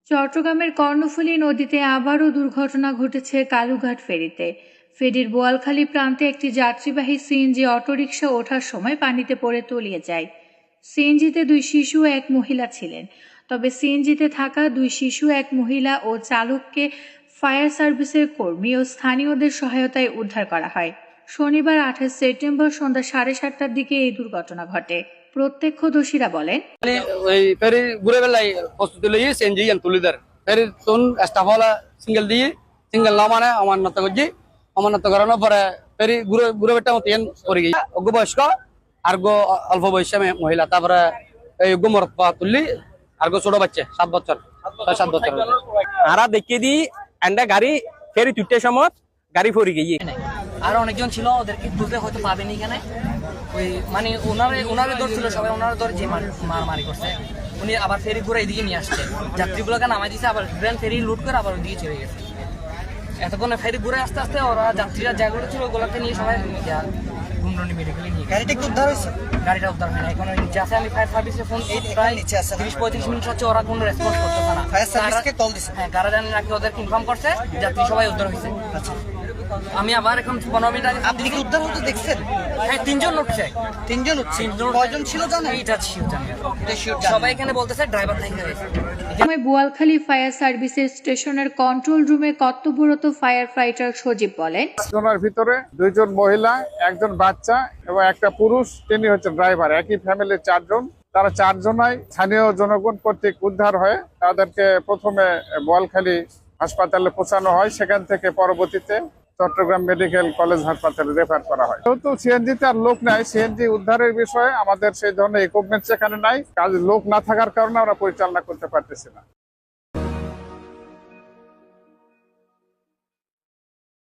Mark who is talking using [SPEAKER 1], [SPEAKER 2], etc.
[SPEAKER 1] চট্টগ্রামের কর্ণফুলী নদীতে আবারও দুর্ঘটনা ঘটেছে কালুঘাট ফেরিতে। ফেরির বোয়ালখালী প্রান্তে একটি যাত্রীবাহী সিএনজি অটোরিকশা ওঠার সময় পানিতে পড়ে তলিয়ে যায়। সিএনজিতে 2 শিশু ও 1 মহিলা ছিলেন। তবে সিএনজিতে থাকা 2 শিশু, 1 মহিলা ও চালককে ফায়ার সার্ভিসের কর্মী ও স্থানীয়দের সহায়তায় উদ্ধার করা হয়। শনিবার 28 সেপ্টেম্বর সন্ধ্যা 7:30টার দিকে এই দুর্ঘটনা ঘটে। প্রত্যক্ষদর্শীরা বলেন,
[SPEAKER 2] ওই ফেরি ঘুরে বেলায় প্রস্তুতি লইয়ে সিএনজি তুলিদার ফেরি তুন স্টাফ হলা সিঙ্গেল না মানে অমান্যতা করছি অমান্যতা করানোর পরে ফেরি ঘুরে ঘুরে বেটা মতো করে গিয়ে অজ্ঞ বয়স্ক আর গো অল্প বয়সী মহিলা তারপরে এই অজ্ঞ মরপা তুললি আর গো ছোট বাচ্চা 7 বছর 6-7 বছর
[SPEAKER 3] আরা দেখিয়ে দিই এন্ডা গাড়ি ফেরি তুলতে সময় গাড়ি ফরি গিয়ে
[SPEAKER 4] আর অনেকজন ছিল, ওদেরকে তুলতে হয়তো পাবেনি এখানে। ওই মানে ওনারে ধরছিল সবাই, ওনারা ধরে যে মারামারি করছে। উনি আবার ফেরি ঘুরে এদিকে নিয়ে আসছে, যাত্রীগুলোকে নামাই দিয়েছে, আবার গ্র্যান্ড ফেরি লুট করে আবার ওইদিকে চলে গেছে। এতক্ষণে ফেরি ঘুরে আস্তে আস্তে ওরা যাত্রীরা যেগুলো ছিল ওগুলোকে নিয়ে সবাই গুমরনি মেডিকেলে নিয়ে গাড়িটা একটু উদ্ধার হয়েছে। গাড়িটা উদ্ধার হয় না, এখন নিচে আছে। আমি ফায়ার সার্ভিসে ফোন প্রায় 30-35 মিনিট হচ্ছে, ওরা কোনো রেসপন্স করতেছে না। ফায়ার সার্ভিসকে কল দিছে, হ্যাঁ, কারা জানি নাকি ওদেরকে ইনফর্ম করছে, যাত্রী সবাই উদ্ধার হয়েছে। আমি আবার এখন 15 মিনিট আগে
[SPEAKER 5] আপনি কি উদ্ধার হতে দেখছেন?
[SPEAKER 4] হ্যাঁ, 3 জন উঠছে।
[SPEAKER 5] 3 জন উঠছে। কয়জন ছিল জানেন?
[SPEAKER 4] এটা শিওর জানি না। সবাই এখানে বলতেছে ড্রাইভার থেকে গেছে।
[SPEAKER 1] সময় বোয়ালখালী ফায়ার সার্ভিসের স্টেশনের কন্ট্রোল রুমে কর্তব্যরত ফায়ার ফাইটার সজীব বলেন,
[SPEAKER 6] জনের ভিতরে 2 জন মহিলা, 1 জন বাচ্চা এবং একটা পুরুষ, তিনি হচ্ছে ড্রাইভার। একই ফ্যামিলির 4 জন। তারা 4 জনাই স্থানীয় জনগণ কর্তৃক উদ্ধার হয়ে তাদেরকে প্রথমে বোয়ালখালী হাসপাতালে পৌঁছানো হয়, সেখান থেকে পরবর্তীতে চট্টগ্রাম মেডিকেল কলেজ হাসপাতালে রেফার করা হয়। যেহেতু সিএনজিতে আর লোক নাই, সিএনজি উদ্ধারের বিষয়ে আমাদের সেই ধরনের ইকুইপমেন্ট সেখানে নাই, কাজ লোক না থাকার কারণে আমরা পরিচালনা করতে পারতেছি না।